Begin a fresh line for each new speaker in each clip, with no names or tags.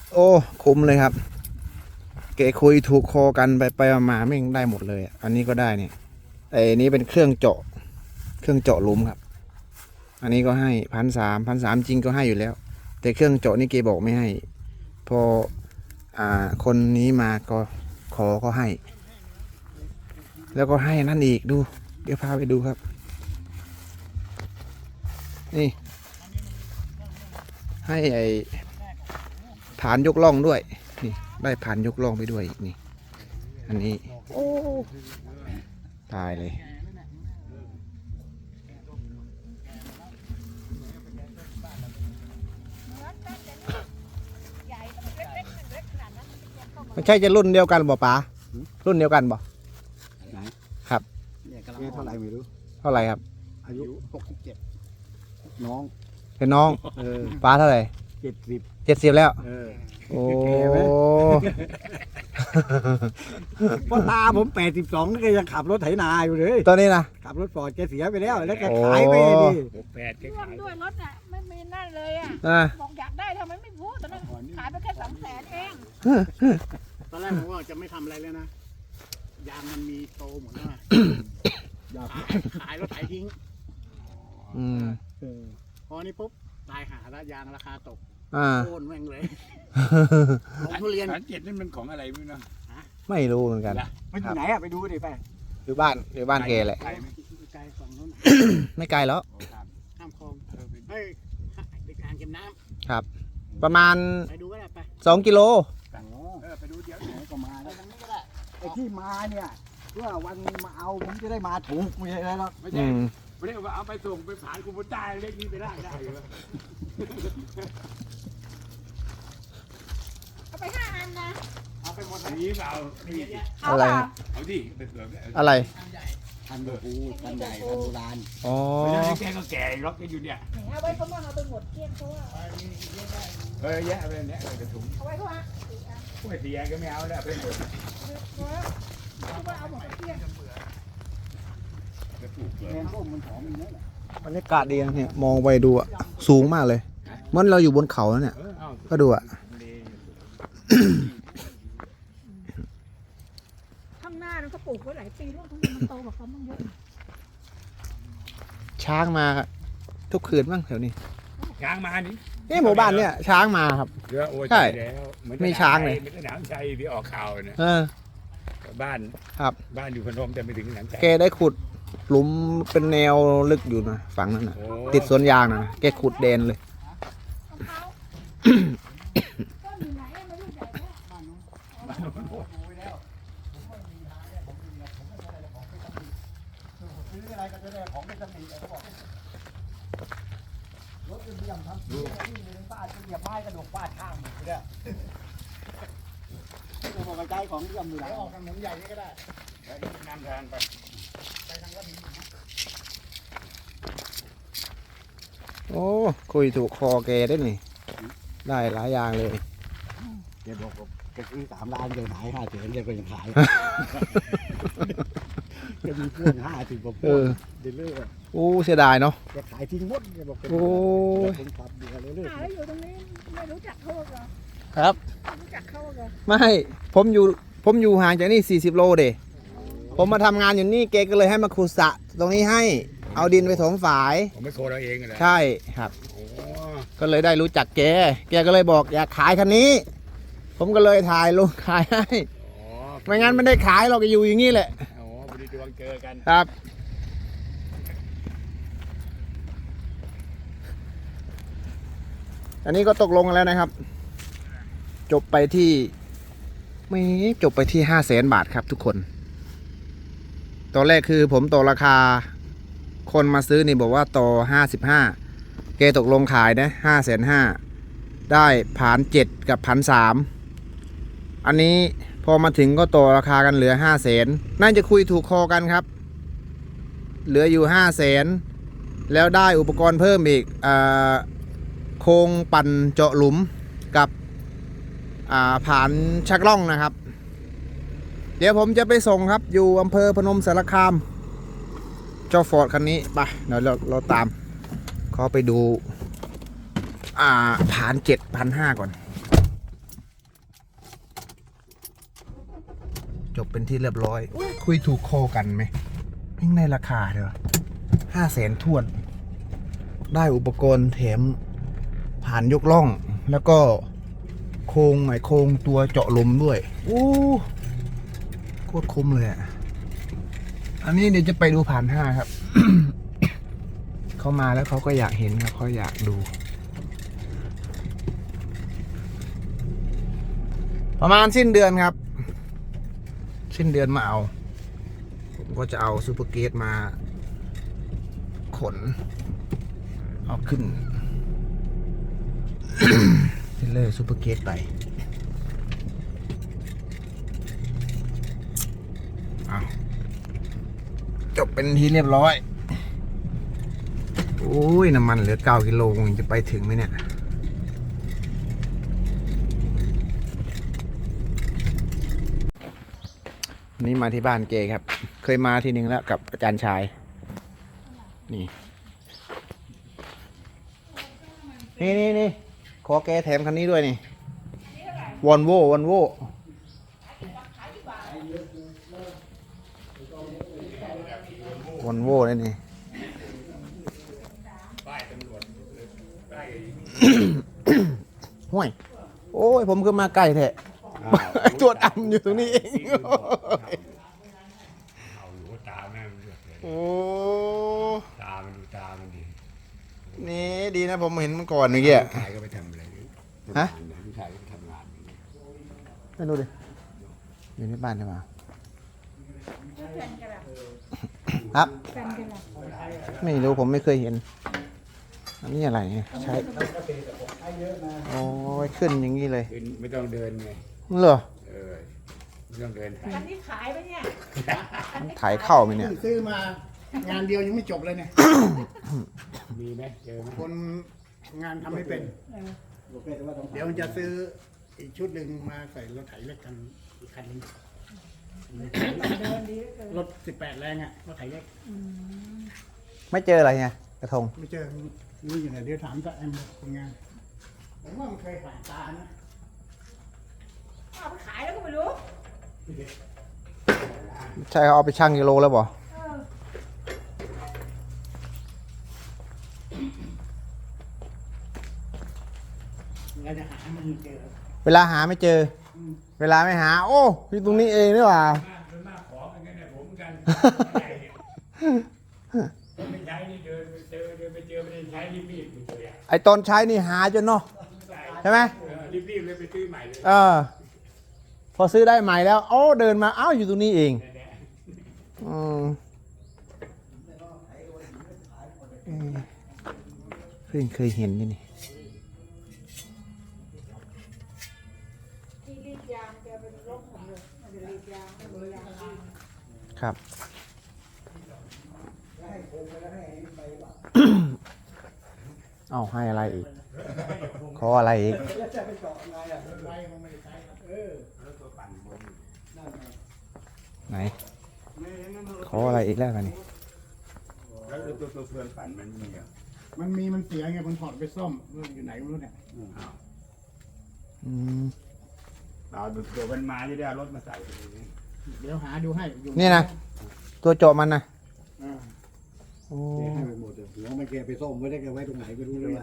โอ้คุ้มเลยครับเกคุยถูกคอกันไปมาไม่ได้หมดเลยอันนี้ก็ได้เนี่ยไอ้นี้เป็นเครื่องเจาะหลุมครับอันนี้ก็ให้1,300จริงก็ให้อยู่แล้วแต่เครื่องเจาะนี่เกบอกไม่ให้พอคนนี้มาก็ขอก็ให้ แล้วก็ให้นั่นอีกดูเดี๋ยวพาไปดูครับนี่ให้ไอ้ผานยกล่องด้วยนี่ได้ผานยกล่องไปด้วยอีกนี่อันนี้โอ้ตายเลยไม่ใช่จะรุ่นเดียวกันบ่ป๋ารุ่นเดียวกันบ่
ไหน
ครับ
เนี่ยเท่าไหร่ไม่รู้
เท่าไหร่ครับ
อายุ67น้อง
เป็นน้องป๋าเท่าไหร่70แล้วโอ้
พ่อตาผม82ก็ยังขับรถไถนาอยู่เลย
ตอนนี้นะ
ขับรถฟอร์ดแกเสียไปแล้วแล้วแกขายไปดิ
8แกขายด้วยรถน่ะไม่มีนั่นเลยบอกอยากได้ทำไมไม่พูดตอนนั้นขายไปแค่200,000เอง
ตอนแรกผมว่าจะไม่ทำอะไรแล้วนะยางมันมีโตหมดแล้วขายแล้วไถทิ้งพอนี้ปุ๊บตายหาแล้วยางราคาตกโค่นแม่งเลยทุเรียน
7นี่มันของอะไรไม่รู้
ไม่รู้เหมือนกัน
มันอยู่ไหนไปดูดิไป
อยู่บ้านแกแหละ
ไกลฝั่งนู้น
ไม่ไกลแล้ว
ข้ามคลองเฮ้ยไปการเก็บน้
ำครับประมาณ
ไปดูก็ได้ไป
2 กิโล
ไปดูเดี๋ยวไหนก็มาแล้วไอ้ที่มาเนี่ยเพื่อวันมาเอาผมจะได้มาถูกไม่ใช่อะไรหรอก
ไม่ใช่ไม่ได้ว่าเอาไปส่งไปผ่านคุณบุญได้เล็กนี้ไปได้อยู่เอาไป5 อันนะเอาไปหมดนี้เปล่า
อะไร
เอาดิ
อะไร
ทันโบราณทันใหญ่ทันโบราณ
อ๋อ
แกก็แก่ล็อกกันอยู่เนี่ย
เอาไว้เขาบ้างเอาไปหมดเกลี้ยงเขาว่า
แยะไปเนี่ยกระถุง
เอาไว้เขาฮะ
กล้วยสีแดงก็ไม่เอาแล้วไปหมด
เอาหมดเกลี้ยง
บรรยากาศดีนะเนี่ยมองไปดูสูงมากเลยเหมือนเราอยู่บนเขาแล้วเนี่ยก็ดู
ข้างหน้านั้นเขาปลูกไว้หลายปีแล้วทั้งมันโตกว่าเขาบ้างเยอะ
ช้างมาทุกคืนบ้างแถวนี้
ช้างมา
นี่หมู่บ้านเนี่ยช้างมาครับใช่มีช้างเลย
ไม่ใช่หนามชัยที่ออกข่าวเนี่ยบ้าน
ครับ
บ้านอยู่พนมแต่ไม่ถึงหนามชัย
แกได้ขุดหลุมเป็นแนวลึกอยู่นะฝั่งนั้นนะติดสวนยางนะแกขุดเดนเลย
รถเยี่ยมทำที่บ้านเหยียบไม้กระดกฟาดข้างเนี่ยตัวกระจายของเยี่ยมอยู่ไหนออกทางถนนใหญ่นี่ก็ได้
นำทางไป
ทางวัดนี้
โอ้คุยถูกคอแกได้นี่ได้หลายอย่างเลย
แกบอกแกซื้อ3 ล้านเลยขาย5 แสนแกก็ยังขายจะมีพ่วง50 กว่าพ่วงเดลเลอร์
โอ้เสียดายเนาะ
จะขายทิ้งหมดแกบอก
โอ้
เป็นขับเดือดเลยเลย
อยู่ตรงนี้ไม่รู้จักเขาเหรอ
ครับ
รู้จักเขาเหรอ
ไม่ผมอยู่ห่างจากนี่40 โลเด้ผมมาทำงานอยู่นี่แกก็เลยให้มาขุดสระตรงนี้ให้เอาดินไปถมฝาย
ผมไม่โคเราเองเลย
ใช่ครับก็เลยได้รู้จักแกก็เลยบอกอยากขายคันนี้ผมก็เลยถ่ายลงขายให้ไม่งั้นไม่ได้ขายเราก็อยู่อย่างนี้แหละ
อ๋อพอดีดวงเจอกัน
ครับอันนี้ก็ตกลงกันแล้วนะครับจบไปที่500,000 บาทครับทุกคนตอนแรกคือผมต่อราคาคนมาซื้อนี่บอกว่าต่อ55แกตกลงขายนะ550,000ได้1,700กับ1,300อันนี้พอมาถึงก็ต่อราคากันเหลือ500,000น่าจะคุยถูกคอกันครับเหลืออยู่500,000แล้วได้อุปกรณ์เพิ่มอีกโครงปั่นเจาะหลุมกับผานชักล่องนะครับเดี๋ยวผมจะไปส่งครับอยู่อำเภอพนมสารคามเจ้าฟอร์ดคันนี้ไปเดี๋ยวเราตามขอไปดูผาน7,500ก่อนจบเป็นที่เรียบร้อยคุยถูกคอกันไหมยิ่งในราคาเด้อ500,000ท้วนได้อุปกรณ์แถมผ่านยกล่องแล้วก็โครงหมายโครงตัวเจาะลมด้วยโอ้โคตรคุ้มเลยอ่ะอันนี้เดี๋ยวจะไปดูผ่าน5ครับ เขามาแล้วเขาก็อยากเห็นครับเขาอยากดู ประมาณสิ้นเดือนครับ สิ้นเดือนมาเอาผมก็จะเอาซูเปอร์เกตมาขนเอาขึ้น เทเลอร์ซูเปอร์เกตไปเอาจบเป็นทีเรียบร้อยโอ้ยน้ำมันเหลือ9 กิโลจะไปถึงไหมเนี่ยนี่มาที่บ้านเจครับเคยมาทีนึงแล้วกับอาจารย์ชายนี่ขอแกแถมคันนี้ด้วยนี่วอนโว่เลยนี่ ห่วยโอ้ยผมก็มาไกลแท้ตัวดำอยู่ตรงนี้เอง
เอาหนูตาแม่มันเลือดเลย
โอ้
ตามันดูตามันดี
นี่ดีนะผมเห็นมันก่อนเมื่อกี้
ชายก็ไปทำอะไรนี่
ฮะ
ผู้ชายก็ไปทำงาน
ไม่รู้ดิอยู่ในบ้านใช่ไหมครับ
แฟนกันแหละ
ไม่รู้ผมไม่เคยเห็นอันนี้อะไรเนี่ยใช้โอ้ยขึ้นอย่างนี้เลย
คือไม่ต้องเดินไง
เหรอ
ไม่ต้องเดิน
อันนี้ขายไหมเนี่ย
มันถ่ายเข้าไหมเนี่ย
ซื้อมางานเดียวยังไม่จบเลยเนี่ย
มีไหมเจอไหม
คนงานทำไม่เป็น เดี๋ยวจะซื้ออีกชุดหนึ่งมาใส่รถไถเล็กกันอีกคันหนึงรถ18 แรงอ่ะรถไถเล็ก
ไม่เจออะไรไงกระทง
ไม่เจอนี่อยู่ไหนเดี๋ยวถามตาแอมคนงานผมว่ามันเคยผ่านตานะ
เอาไปขายแล้วก็ไม่รู้
ใช่เขาเอาไปชั่งกิโลแล้วบ่
เราจะหามันเจอ
เวลาหาไม่เจอ เวลาไม่หา โอ้อยู่ตรงนี้เองนี่หว่า
มันมากขอเหมือนกันเนี่ยผมเหมือนกันไม่ใช้นี่เดินไปเจอไม่ได้ใช้รีบไปเจอ
ไอตอนใช้นี่หาจนเนาะใช่ไหม
รีบเลยไปซื้อใหม่เลย
พอซื้อได้ใหม่แล้วโอ้เดินมาอ้าวอยู่ตรงนี้เองอืมเพิ่งเคยเห็นนี่
ที่รีดยางแกเป็นรถผมเลยมันจะรีดยางไม่มียาง
ครับ เอาให้อะไรอีก ขออะไรอีก ไหน ขออะไรอีกแล้วกันนี่
แล้วตัวเพื่อนปั่นมันมีอ่ะ
มันเสียไงมันถอดไปซ่อมอยู่ไหนไม่รู้เนี่ย
อืม
เอาตัวมันมาจะได้เอารถมาใส่
เดี๋ยวหาดูให้อยู่
นี่นะ ตัวเจาะมันนะ
อ่า
โอ้
ให้ไปหมดเลยหัวมันแกไปซ่อมไว้ได้แกไว้ตรงไหนไม่รู้เลย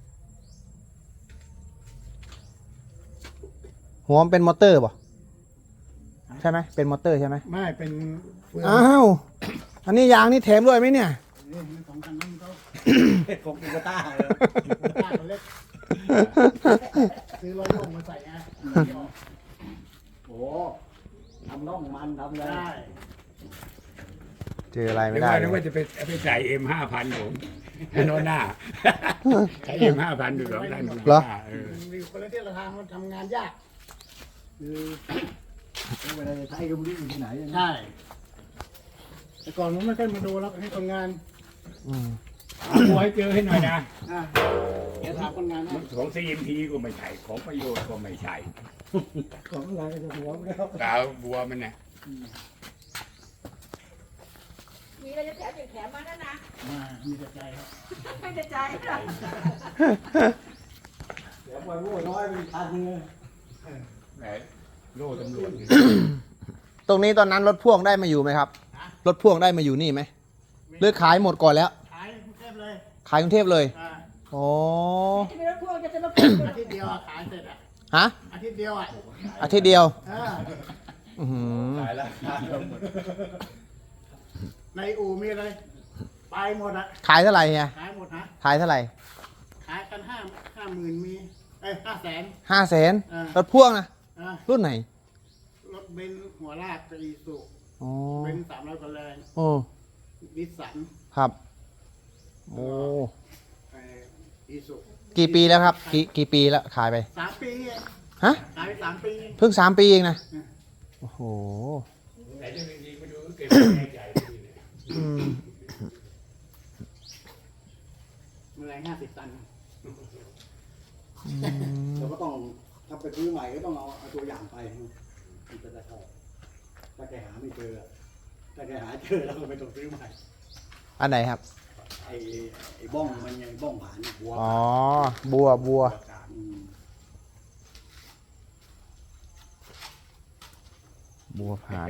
หัวมันเป็นมอเตอร์ป่ะใช่ไหมเป็นมอเตอร์ใช่ไหม
ไม่เป็นเฟือง
อ้าว อันนี้ยางนี่แถมด้วยไหมเนี่ย
นี่มันของคันนั้นเขา
ของกูกต้า
ต้าเขาเล็กซื้อร้อยโลงมาใส่ไง
โอ้ทำน่องมันทำอะไร
ได้
เจออะไร
ไม่
ไม่
ได้
ได้
นึกว่าจะไปใส่M5,000ผมโน่นหน้าใช้M5,000ดู2,000
มีคนละที่ละทางมันทำงานยาก
คือเวลาจะใช้ก็ไม่รู้อยู่ที่ไหน
ใช่แต่ก่อนผมไม่ค่อยมาดูแล้วให้คนงาน
อืม
บัวให้เจอให้หน่อยนะ
เดี๋ยวถามคนงานให้
ของ CMP ก็ไม่ใช่ของประโยชน์ก็ไม่ใช่
ของอะไรจะหัวไม่ได้
ดาวบัวมันเนี่ย
มีอะไรจะแถมอย่างแถมมาแล้วนะ
มามีแต่ใจครับ
ไม่ได้ใจหรอก
เดี๋ยวปล่อยโว้น้อยเป็นพันเลย
แหมโล่ตำรวจ
ตรงนี้ตอนนั้นรถพ่วงได้มาอยู่ไหมครับ รถพ่วงได้มาอยู่นี่ไหมหรือขายหมดก่อนแล้ว
ขายกรุงเทพเลย
ขายกรุงเทพเลย
อ่า
อ๋อ
จะเป็นรถพ่วงจะเป็นรถพ่วง
อาทิตย์เดียวอะขายเสร็จอ่ะ
ฮะ
อาทิตย์เดียวอ่ะ
อาทิตย์เดียว
เออ
อื้อหือ
ขายราคาเราหมด
ในอู่มีอะไรไปหมดอ่ะ
ขายเท่าไหร่เนี่ย
ขายหมดฮะ
ขายเท่าไหร่
ขายกัน50,000มี500,000
500,000
อ่าร
ถพ่วงนะ
อ่า
รุ่นไหน
รถเบนซ์หัวลากกับอีซู
อ๋อ
เบนซ์300กว่าแรง
โอ้
นิสสัน
ครับโอ้
อีซู
กี่ปีแล้วครับกี่ปีแล้วขายไป
3 ปีเอง
ฮะ
ขายไป3 ปี
เพิ่ง3 ปีเองนะโอ้โห
แต่จริงๆมาดูเก็บแรงใหญ่ดีเนี่ย
อืม
แรง50 ตัน
เราก็ต้องถ้าไปซื้อใหม่ก็ต้องเอาตัวอย่างไปมันจะได้เข้าถ้าแกหาไม่เจอถ้าแกหาเจอเราก็ไม่ต้องซื้อใหม่
อันไหนครับ
ไอ้บ้องมันยังบ้องผ่านหัว
อ๋อ บัว
อืม
บัวผาน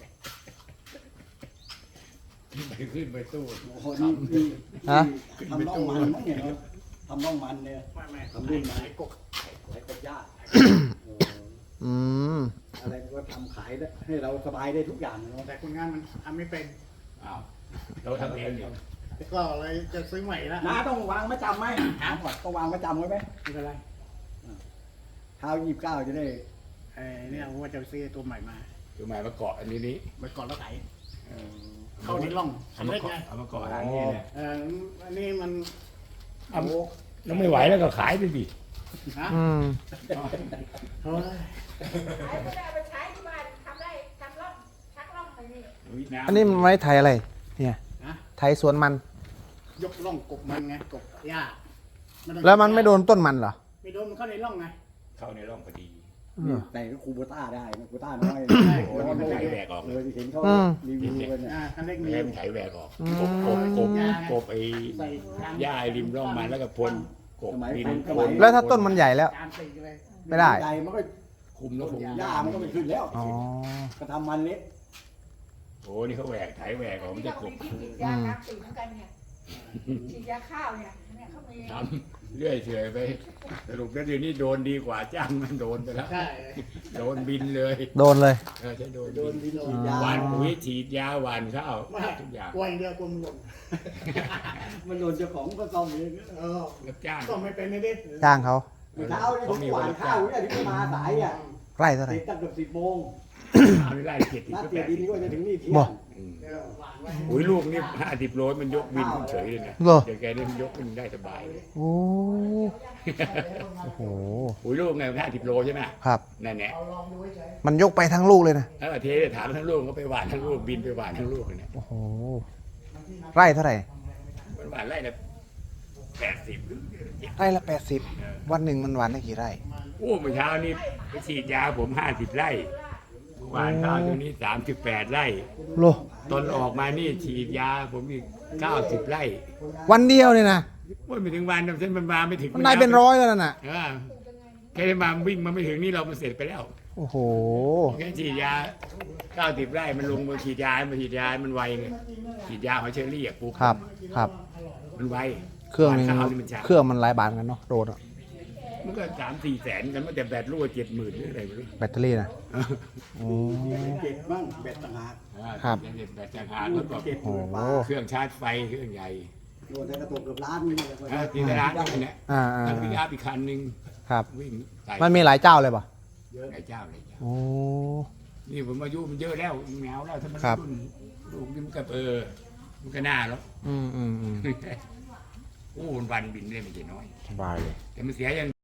ไปขึ้นไปตู้
โอ้โหนี่
ฮะ
ทำน่องมันมั้งเนี่ยทำน่องมันเนี่ย
ไม่
ทำรุ่นไหน
ขายกบ
ขายกบย่าง
อืม
อะไรก็ทำขายได้ให้เราสบายได้ทุกอย่างเนาะ
แต่คนงานมันทำไม่เป็น
อ้าวเราทำเองเดี๋ยว
แล้วก็เลยจะซื้อใหม่ละ
น้าต้องวางมาจำไหมถามก่อนต้องวางมาจำไว้ไหม
ไม่เป็นไร
เท้า29จะได้
เนี่ยผมว่าจะไปซื้อตัวใหม่มา
ตัวใหม่มาเกาะอันนี้นี่
ไปก่อนแล้วไถเข้าในร่องคันเล็กไง
เอามาเกาะหางนี่เนี่ย
อันนี้มัน
เอาแล้วไม่ไหวแล้วก็ขายไปดิ
ฮะ
อืม
เฮ้ย
ขายไม่ได้เอาไปใช้ที่บ้านทำได้ทำร่องชักร่องไปนี่
อันนี้มันไว้ไทยอะไร เนี่ย
ฮะ
ไทยสวนมัน
ยกร่องกบมันไงกบหญ้าต้อง
แล้วมันไม่โดนต้นมันเหรอ
ไม่โดนมันเข้าในร่องไง
เข้าในร่องพอดี
แต่ก็คูโบต้าได้นะคูโบต้าน้อย
ใช่
โอ้นี่มันไถแหวกออก
เลยเห็นเขา
อืม
รีวิวกันเนี่ย
คันเล็ก
ไม่
มี
ให้มันไถแหวกออก
อืม
กบไอ้
ใส่กลาง
หญ้าไอ้ริมร่องมันแล้วก็พ่นกบดินพ่น
แล้วถ้าต้นมันใหญ่แล้ว
จานตีเลย
ไม่ได้
ใหญ่มันก็
คุมแล้วคุม
หญ้ามันก็ไม่ขึ้นแล้ว
อ๋อ
ก็ทำมันเล็ก
โอ้นี่เขาแหวกไถแหวกออกมันจะกบ
ที่ฉีดยาน้ำสีเหมือนกันเนี่ยฉีดยาข้าวเนี่ยเขามี
ทำเรื่อยเฉยไปสรุปแล้วเดี๋ยวนี้โดนดีกว่าจ้างมันโดนไปแล้ว
ใช่
โดนบินเลย
โดนเลย
ใช่โดน
โดน
บิน
ดินฉีดยา
หวานปุ๋ยฉีดยาหวานข้าว
ไม่
ทุกอย่าง
กลัวอย่างเดียวกลัวมันหล่น
มันโดนเจ้าของก็ต้องเอง
รับจ้าง
ก็ไม่เป็นเลยดิ
จ้างเขา
เมื่อเช้าเนี่ยผมหวานข้าวเนี่ยที่มาสายอ่ะ
ไร่เท่าไหร่
เสร็จตั้งเกือบ10 โมง
ไม่ไล่เกียรติ
นัด
ก็
เตี
แป
ย
ด
ดินนี่ก็จะถึงนี่เที่ย
บ่
ง
เดี๋ยวหวานไว้
ปุ๋ยลูกนี่50 โลมันยกวินขึ้นเฉยเลยนะ
เหรอ
เดี๋ยวแกนี่มันยกมันได้สบายเลย
โอ้โอ้โห
ปุ๋ยลูกไง50 โลใช่ไหม
ครับ
นั่นแหละ
เอาลองดูเฉย
มันยกไปทั้งลูกเลยนะ
เทถามทั้งลูกก็ไปหวานทั้งลูกบินไปหวานทั้งลูกเลยเนี่ย
โอ้โห ไร่เท่าไหร่
มันหวานไร่ละ80หรือ
ไร่ละ80 วันหนึ่งมันหวานได้กี่ไร่
โอ้เมื่อเช้านี้ไปฉีดยาผม50 ไร่หวานข้าวตรงนี้38 ไร่
โล
ตอนออกมานี่ฉีดยาผมอีก90 ไร่
วันเดียวเนี่ยนะ
โอ้ยไม่ถึงวันเส้นมันมาไม่ถึง
มันได้เป็นร้อยแล้วนั่นน่ะ
แค่ได้มาวิ่งมาไม่ถึงนี่เรามันเสร็จไปแล้ว
โอ้โห
แค่ฉีดยา90 ไร่มันลงมาฉีดยามันไวไงฉีดยาหอยเชอรี่อ่ะปุ๊บ
ครับ ครับ
มันไว
เครื่องหนึง
ข้าวนี่มันช้า
เครื่องมันหลายบาทกันเนาะโดนอะ
มันก็3-4 แสนกันมันแต่แบตรั่ว70,000หรืออะไรไม่รู้
แบตเตอรี่นะโอ้
เจ็ดบ้างเบ็ดต่างหาก
ครับ
แบตจากหางแล้วก็
เจ็ด
โอ้โห
เครื่องชาร์จไฟเครื่องใหญ่
โดนแต่กระตุกเกือบล้านนี่เลย
ที่ร้านนี่เนี่ย
อ่า
ทั้งปิกอัพอีกคันหนึ่ง
ครับ
วิ่งใส่
มันมีหลายเจ้าเลยป่ะ
หลายเจ้าเลย
โอ้
นี่ผมอายุมันเยอะแล้วแมวแล้วถ้ามัน
ครับ
รุ่นลูกนี่มันก็มันก็น่าแล้ว
อืม
โอ้วันบินได้ไม่ใช่น้อย
สบายเลย
แต่มันเสียอย่าง